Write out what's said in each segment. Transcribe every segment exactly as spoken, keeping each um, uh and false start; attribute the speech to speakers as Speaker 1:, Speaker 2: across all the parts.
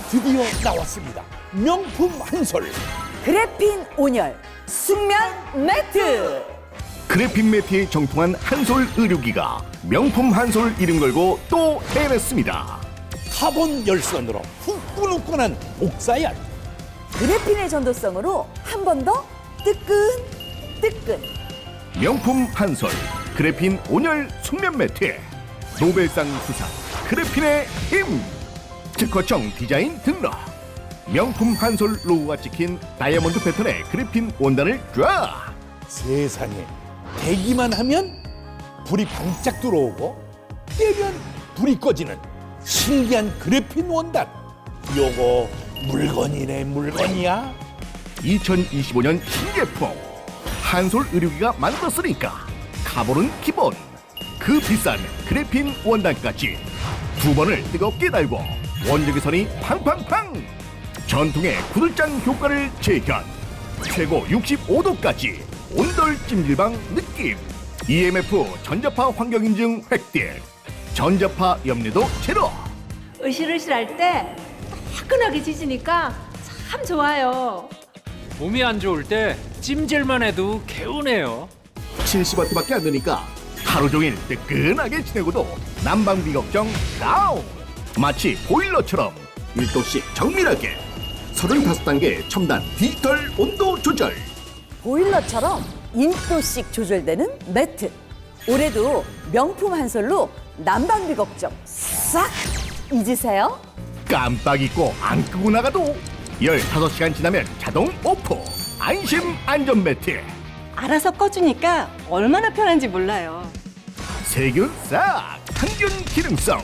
Speaker 1: 드디어 나왔습니다. 명품 한솔.
Speaker 2: 그래핀 온열 숙면 매트.
Speaker 3: 그래핀 매트에 정통한 한솔 의료기가 명품 한솔 이름 걸고 또 해냈습니다.
Speaker 1: 카본 열선으로 후끈후끈한 옥사열.
Speaker 2: 그래핀의 전도성으로 한 번 더 뜨끈 뜨끈.
Speaker 3: 명품 한솔 그래핀 온열 숙면 매트. 노벨상 수상 그래핀의 힘. 특허청 디자인 등록. 명품 한솔 로고가 찍힌 다이아몬드 패턴의 그래핀 원단을 쫙.
Speaker 1: 세상에, 대기만 하면 불이 반짝 들어오고 떼면 불이 꺼지는 신기한 그래핀 원단. 요거 물건이네, 물건이야.
Speaker 3: 이천이십오 년 신제품 한솔 의료기가 만들었으니까 카본은 기본. 그 비싼 그래핀 원단까지 두 번을 뜨겁게 달고 원적외 선이 팡팡팡. 전통의 구들장 효과를 재현. 최고 육십오 도까지 온돌 찜질방 느낌. 이엠에프 전자파 환경 인증 획득. 전자파 염려도 제로.
Speaker 4: 으실으실할 때 화끈하게 지지니까 참 좋아요.
Speaker 5: 몸이 안 좋을 때 찜질만 해도 개운해요.
Speaker 3: 칠십 와트밖에 안 되니까 하루 종일 뜨끈하게 지내고도 난방비 걱정 다운. 마치 보일러처럼 일 도씩 정밀하게 서른다섯 단계 첨단 디지털 온도 조절.
Speaker 2: 보일러처럼 일 도씩 조절되는 매트. 올해도 명품 한솔로 난방비 걱정 싹 잊으세요.
Speaker 3: 깜빡 잊고 안 끄고 나가도 열다섯 시간 지나면 자동 오프. 안심 안전 매트.
Speaker 6: 알아서 꺼주니까 얼마나 편한지 몰라요.
Speaker 3: 세균 싹. 항균 기능성.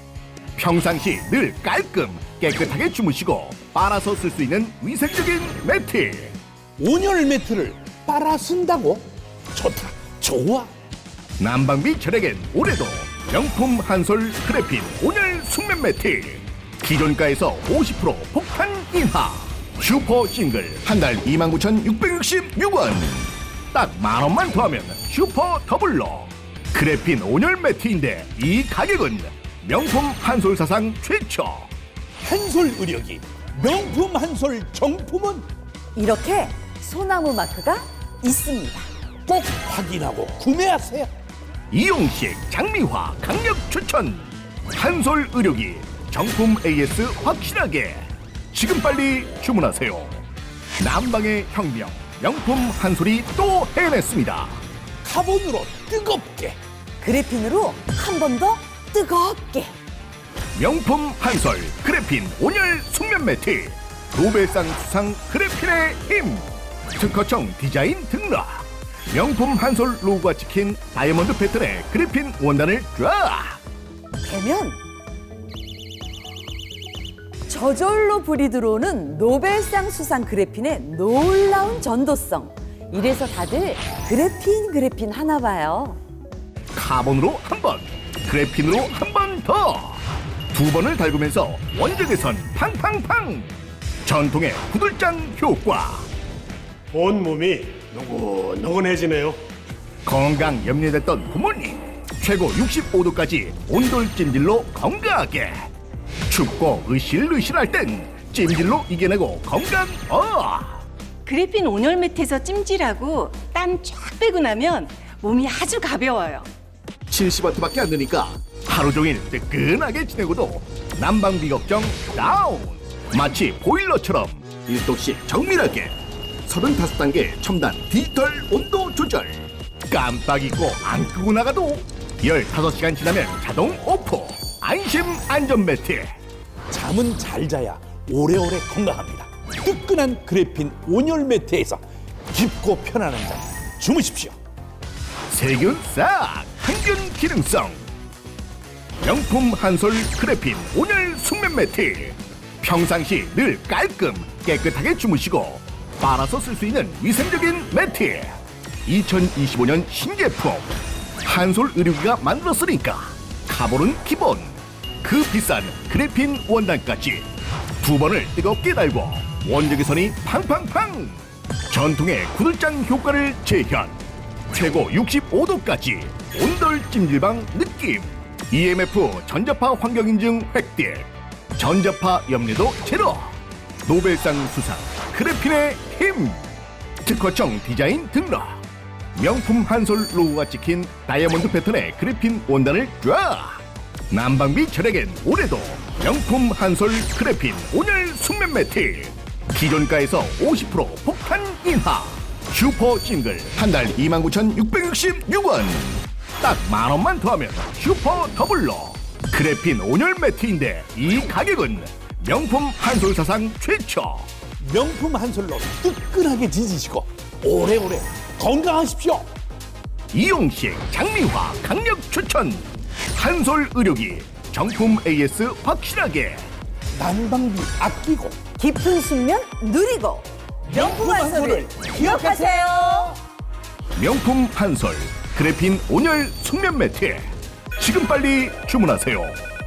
Speaker 3: 평상시 늘 깔끔 깨끗하게 주무시고 빨아서 쓸 수 있는 위생적인 매트.
Speaker 1: 온열 매트를 빨아 쓴다고? 좋다, 좋아.
Speaker 3: 난방비 절약엔 올해도 명품 한솔 그래핀 온열 숙면 매트. 기존가에서 오십 퍼센트 폭탄 인하. 슈퍼 싱글 한 달 이만 구천육백육십육 원. 딱 만 원만 더하면 슈퍼 더블로 그래핀 온열 매트인데 이 가격은 명품 한솔 사상 최초.
Speaker 1: 한솔 의료기 명품 한솔 정품은
Speaker 2: 이렇게 소나무 마크가 있습니다.
Speaker 1: 꼭 확인하고 구매하세요.
Speaker 3: 이용식 장미화 강력 추천. 한솔 의료기 정품 에이에스 확실하게 지금 빨리 주문하세요. 난방의 혁명 명품 한솔이 또 해냈습니다.
Speaker 1: 카본으로 뜨겁게.
Speaker 2: 그래핀으로 한 번 더 뜨겁게.
Speaker 3: 명품 한솔 그래핀 온열 숙면 매트. 노벨상 수상 그래핀의 힘. 특허청 디자인 등록. 명품 한솔 로고가 찍힌 다이아몬드 패턴의 그래핀 원단을 쫙.
Speaker 2: 되면 저절로 불이 들어오는 노벨상 수상 그래핀의 놀라운 전도성. 이래서 다들 그래핀 그래핀 하나 봐요.
Speaker 3: 카본으로 한 번, 그래핀으로 한 번 더. 두 번을 달구면서 원적외선 팡팡팡. 전통의 구들장 효과.
Speaker 7: 온몸이 노곤노곤해지네요.
Speaker 3: 건강 염려됐던 부모님. 최고 육십오 도까지 온돌 찜질로 건강하게. 춥고 으실으실할 땐 찜질로 이겨내고 건강 어.
Speaker 6: 그래핀 온열 매트에서 찜질하고 땀 쫙 빼고 나면 몸이 아주 가벼워요.
Speaker 3: 칠십 와트밖에 안 되니까 하루 종일 뜨끈하게 지내고도 난방비 걱정 다운. 마치 보일러처럼 일 도씩 정밀하게 서른다섯 단계 첨단 디지털 온도 조절. 깜빡 잊고 안 끄고 나가도 열다섯 시간 지나면 자동 오프. 안심 안전 매트.
Speaker 1: 잠은 잘 자야 오래오래 건강합니다. 뜨끈한 그래핀 온열 매트에서 깊고 편안한 잠 주무십시오.
Speaker 3: 세균 싹. 항균 기능성. 명품 한솔 그래핀 온열 숙면 매트. 평상시 늘 깔끔 깨끗하게 주무시고 빨아서 쓸 수 있는 위생적인 매트. 이천이십오 년 신제품 한솔 의료기가 만들었으니까 카본은 기본. 그 비싼 그래핀 원단까지 두 번을 뜨겁게 달고 원적외 선이 팡팡팡. 전통의 구들장 효과를 재현. 최고 육십오 도까지 온돌 찜질방 느낌. 이엠에프 전자파 환경 인증 획득. 전자파 염려도 제로. 노벨상 수상 그래핀의 힘. 특허청 디자인 등록. 명품 한솔 로고가 찍힌 다이아몬드 패턴의 그래핀 원단을 쫙. 난방비 절약엔 올해도 명품 한솔 그래핀 온열 숙면 매트. 기존가에서 오십 퍼센트 폭탄 인하. 슈퍼 싱글 한 달 이만 구천육백육십육 원. 딱 만 원만 더하면 슈퍼 더블로 그래핀 온열 매트인데 이 가격은 명품 한솔 사상 최초.
Speaker 1: 명품 한솔로 뜨끈하게 지지시고 오래오래 건강하십시오.
Speaker 3: 이용식 장미화 강력 추천. 한솔 의료기 정품 에이에스 확실하게.
Speaker 1: 난방비 아끼고
Speaker 2: 깊은 숙면 누리고 명품 한솔을 기억하세요.
Speaker 3: 명품 한솔 그래핀 온열 숙면 매트. 지금 빨리 주문하세요.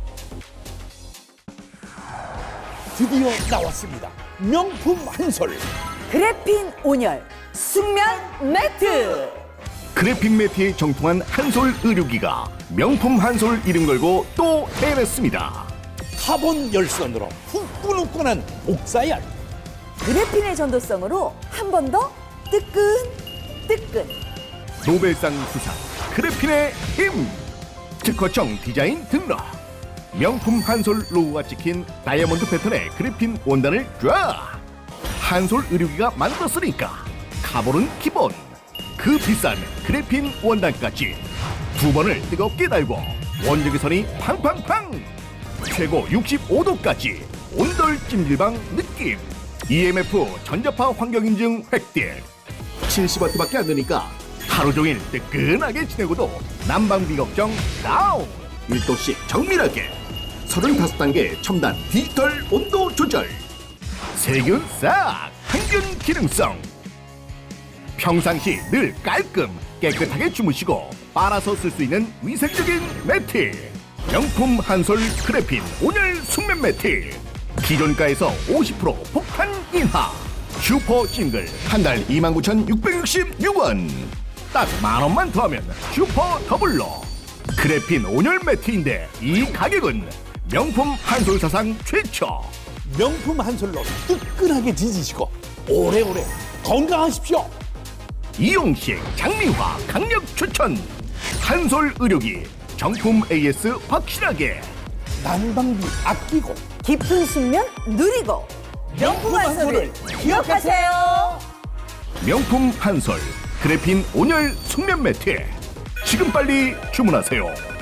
Speaker 1: 드디어 나왔습니다. 명품 한솔.
Speaker 2: 그래핀 온열 숙면 매트.
Speaker 3: 그래핀 매트에 정통한 한솔 의료기가 명품 한솔 이름 걸고 또 해냈습니다.
Speaker 1: 카본 열선으로 후끈후끈한 옥사열.
Speaker 2: 그래핀의 전도성으로 한 번 더 뜨끈 뜨끈.
Speaker 3: 노벨상 수상 그래핀의 힘. 특허청 디자인 등록. 명품 한솔 로고가 찍힌 다이아몬드 패턴의 그래핀 원단을 쫙. 한솔 의료기가 만들었으니까 카본은 기본. 그 비싼 그래핀 원단까지 두 번을 뜨겁게 달고 원적외선이 팡팡팡. 최고 육십오 도까지 온돌 찜질방 느낌. 이엠에프 전자파 환경인증 획득. 칠십 와트밖에 안 되니까 하루 종일 뜨끈하게 지내고도 난방비 걱정 다운. 일 도씩 정밀하게 서른다섯 단계 첨단 디지털 온도 조절. 세균 싹 항균 기능성. 평상시 늘 깔끔 깨끗하게 주무시고 빨아서 쓸 수 있는 위생적인 매트. 명품 한솔 그래핀 온열 숙면 매트. 기존가에서 오십 퍼센트 폭탄 인하. 슈퍼 싱글 한 달 이만 구천육백육십육 원. 딱 만 원만 더하면 슈퍼 더블로 그래핀 온열 매트인데 이 가격은 명품 한솔 사상 최초.
Speaker 1: 명품 한솔로 뜨끈하게 지지시고 오래오래 건강하십시오.
Speaker 3: 이용식 장미화 강력 추천. 한솔 의료기 정품 에이에스 확실하게.
Speaker 1: 난방비 아끼고
Speaker 2: 깊은 숙면 누리고 명품 한솔을 기억하세요.
Speaker 3: 명품 한솔 그래핀 온열 숙면 매트. 지금 빨리 주문하세요.